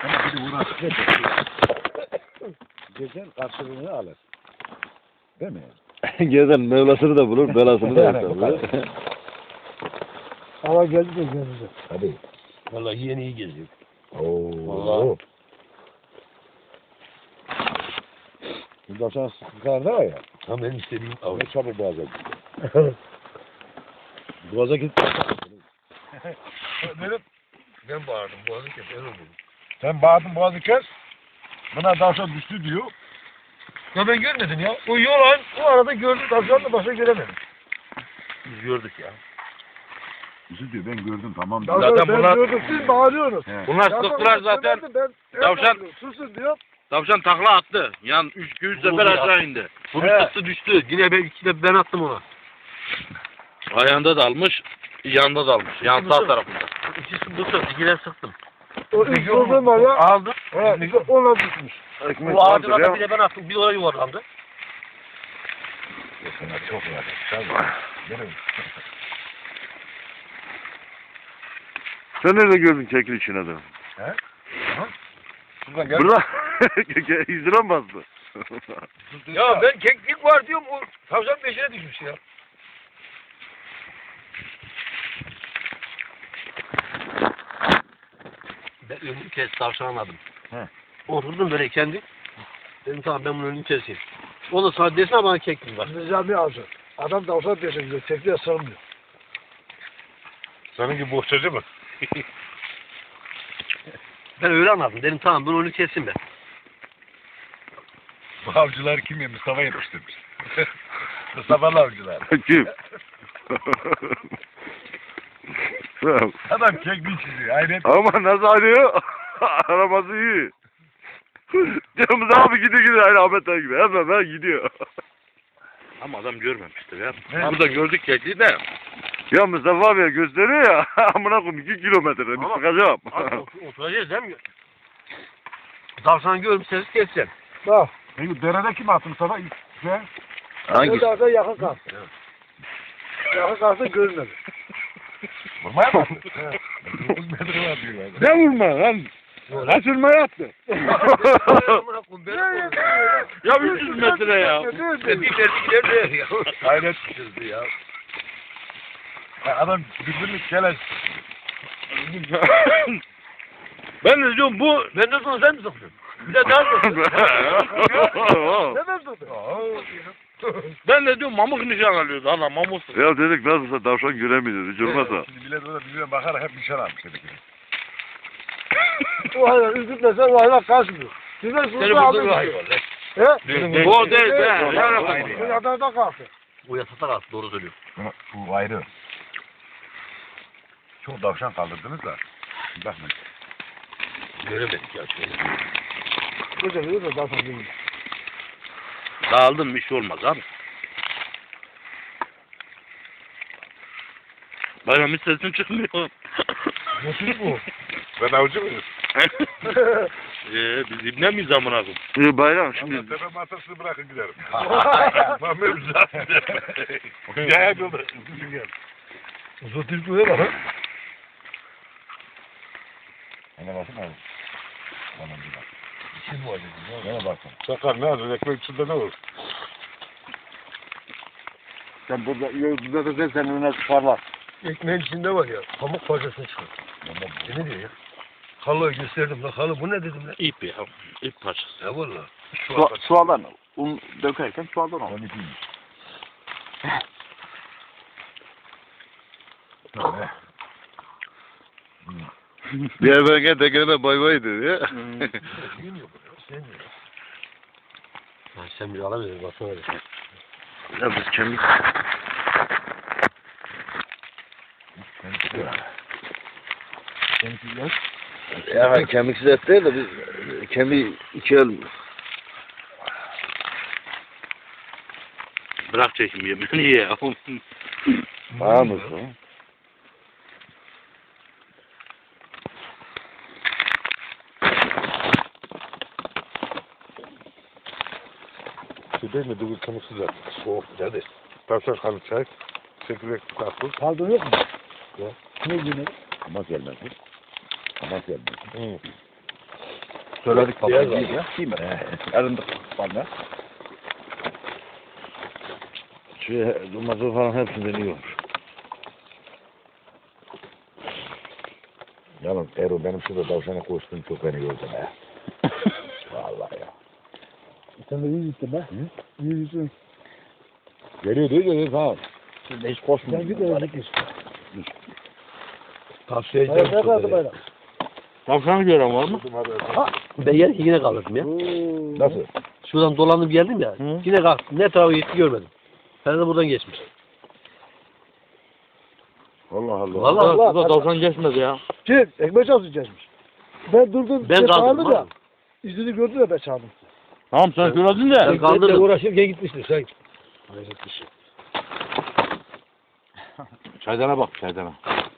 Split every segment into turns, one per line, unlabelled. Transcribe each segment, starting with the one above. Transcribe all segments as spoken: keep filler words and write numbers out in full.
Ama bir de uğraşıp geçer. Geçer karşılığını alır. Değil mi?
Gezen Mevlasını da bulur, belasını da yapar.
Hava geldi de geldi.
Hadi.
Vallahi yeni iyi geziyor.
Oo.
Vallahi.
Bundan sonra sıkıntılar var ya.
Tam benim istediğim av.
Ne çabuk boğaza gidiyor. Boğaza gitti.
Benim ben bağırdım. Boğazı kes. Ben oldum.
Sen bağırdın boğazı kes. Buna tavşan düştü diyor.
Ya ben görmedim ya. O yolan o arada gördüm. Tavşan da başka göremedim. Biz gördük ya.
Düştü diyor ben gördüm tamam.
Zaten,
Zaten
ben
bunlar-
gördüm siz bağırıyorsunuz.
He.
Bunlar
Ya
sıktılar
sonra
zaten.
ben- ben- ben
Tavşan-
bağırıyorum, susun diyor.
Tavşan takla attı. Yan üç üç
Vurdu
sefer
ya.
aşağı indi.
Bunu
He.
sıktı düştü. Yine ben iki de ben attım ona.
Ayağında dalmış, yanda dalmış. Yan sağ tarafında.
İkisi bu sıktı. Yine sıktım.
O ilk vurduğum var ya.
Aldım.
He, işte ona düşmüş.
Bu ağacın altına bir de ben attım. Bir oraya yuvarlandı.
Sana çok var. Tabii. Benim.
Sen nerede gördün kekil için adamı?
He? Şuradan gel.
Burada İzdiram mı bastı?
Ya ben keklik var diyorum. O tavşan peşine düşmüş ya. Ben önünü kes tavşan anladım.
He.
Oturdum böyle kendi. Dedim tamam ben bunun önünü keseyim. O da sana desene bana keklik var.
Nizami avcı. Adam tavşan peşine gidiyor. Tekliğe sığmıyor.
Seninki bohçacı mı?
Ben öyle anladım. Dedim tamam bunun önünü keseyim ben.
Bu avcılar kim ya? Mustafa yetiştirmiş. Mustafa'lı avcılar.
Kim?
Adam kekli çiziyor. Hayret.
Ama nasıl arıyor? Araması iyi. Canımız abi gidiyor gidiyor aynı Ahmet abi gibi. Hemen hemen gidiyor.
Ama adam görmemiştir ya.
Ne?
Burada gördük kekliği de.
Ya Mustafa abi gösteriyor ya. Amına koyayım iki kilometre. Bir
Ama-
sıkacağım.
Abi otur- oturacağız değil mi? Tavşanı görmüş sesi keseceğim.
Bak.
Peki derede kim attı Mustafa? İlk şey.
Hangisi?
Zaten yakın kalktı. Yakın kalktı görmedi.
Vurmaya mı attı? dokuz metre var diyorlar.
Ne vurma lan? Kaçırmaya attı.
Amına koyayım, beni koyun.
Ya üç yüz metre ya.
Ben bir verdi gider de ya.
Hayret.
Kızdı ya.
Ya adam birbirini keleş.
Ben de diyorum bu
Ben de sonra sen mi sokuyorsun? Bir de daha sokuyorsun.
Neden tuttu?
ben de diyorum mamuk nişan alıyordu. Allah mamuk.
Ya dedik nasılsa tavşan göremiyoruz. Hiç olmazsa.
Şimdi millet orada birbirine bakarak hep nişan almış dedik.
O hayvan üzülmese o hayvan kaçmıyor. Size
Seni
sustu
bulduğun
aldım.
hayvan.
He?
Bu değil be.
Bu
Yani
yatağında kalktı.
O yatakta kalktı doğru söylüyor.
Bunu- Bu ayrı. Çok tavşan kaldırdınız da. Bakmayın.
Göremedik ya şöyle.
Güzel iyi de zaten değil.
dağıldım bir şey olmaz abi. Bayram hiç sesin çıkmıyor.
Nasıl bu?
Ben avcı mıyım?
Eee biz ibne miyiz amına koyayım?
Ee, bayram
Şimdi
şimdi.
tepe masasını bırakın giderim. Ben benim zaten. Gel yolda. Üzülün gel.
Uzun tilkiye bak.
Ona bakın abi. Bana bir bak.
Kim var dedim.
Bana bakın. Sakar ne hazır? Ekmek içinde ne olur?
Sen burada burada da sen önüne parlar.
Ekmeğin içinde var ya. Pamuk parçasını çıkar. E ne diyor ya? Halı'yı gösterdim lan. Halı bu ne dedim lan?
İp ya. İp parçası.
Ya valla.
Su, sualdan un dökerken sualdan al.
on ikiymiş.
Diğer bölge tekerine bay bay dedi ya.
Gün yok ya. Sen ya. Ha, sen bir alamıyorsun. Baksana öyle.
Ya biz kemik. Ya kemiksiz et değil de biz kemiği iki el.
Bırak çekim yemeğini ya.
Var mısın?
Şey değil mi? Dugul kemiksi zaten. Soğuk. Hadi. Tavşan kanı çay. Çekirdek tatlı.
Kaldın yok mu? Ya. Ne günü?
Ama gelmez. Ama gelmez. Hı.
Söyledik baba.
Beyaz
Değil ya. Değil mi? Elinde bana.
Şu domates falan hepsinden iyi olur. Yalnız Erol benim şurada tavşana koştum çok beni gördüm ha. Vallahi ya.
Sen de iyi gittin be. İyi gittin.
Geliyor değil mi? Tamam.
Şimdi hiç koşmuyor.
Sen git eve gitmiş.
Tavsiye
Bayram ne
edeceğim.
kaldı bayram?
Tavşanı gören var mı?
Ben yer yine kalırdım ya.
Nasıl?
Şuradan dolanıp geldim ya.
Hı.
Yine kalktım. Ne tarafa gitti görmedim. Ben de buradan geçmiş.
Allah Allah.
Vallahi
Allah,
Burada
Allah.
tavşan geçmedi ya.
Kim? Ekmek çalsın geçmiş. Ben durdum.
Ben
şey
kaldım.
çağırdı da.
Ha.
İzini gördü de ben çağırdım.
Tamam sen söyledin de.
Ben
Benle
kaldırdım.
uğraşırken gitmiştir sen.
Çaydana bak çaydana.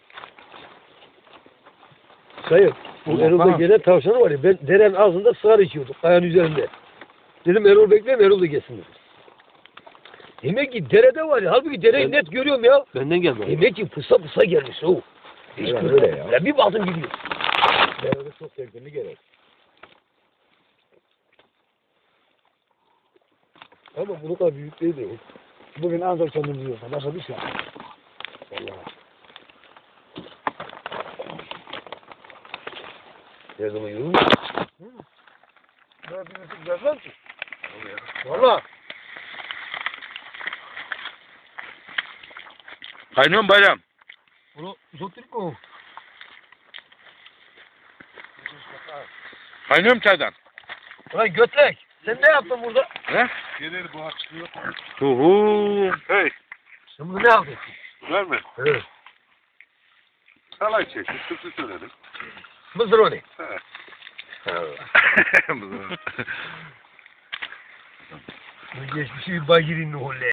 Sayın, bu Erol'da gelen tavşanı var ya, ben derenin ağzında sığar içiyorduk, kayanın üzerinde. Dedim Erol bekleyin, Erol da gelsin dedim. Demek ki derede var ya, halbuki dereyi
Ben-
net görüyorum ya.
Benden geldi.
Demek ki fısa fısa gelmiş o. Hiç
Evet,
görmedim.
öyle ya.
Ben bir baktım gidiyor.
Derede çok sevgili gerek.
Ama bunu da büyük değil de.
Bugün ancak kendimizi yiyoruz. Başka bir şey yok.
Her zaman yiyorum.
Ben birisi gelmez ki.
Valla.
Kaynıyor mu bayram?
Bunu uzattık mı?
Kaynıyor mu çaydan?
Ulan götlek. Sen ne yaptın burada?
Ne?
Gelir bu haksızlık.
Tuhu. Hey.
Sen burada ne yaptın?
Verme.
Evet.
Salay çekti. Türkçü söyledim.
Mısır o ne?
Bu-
Geçmişi bir bagirin ne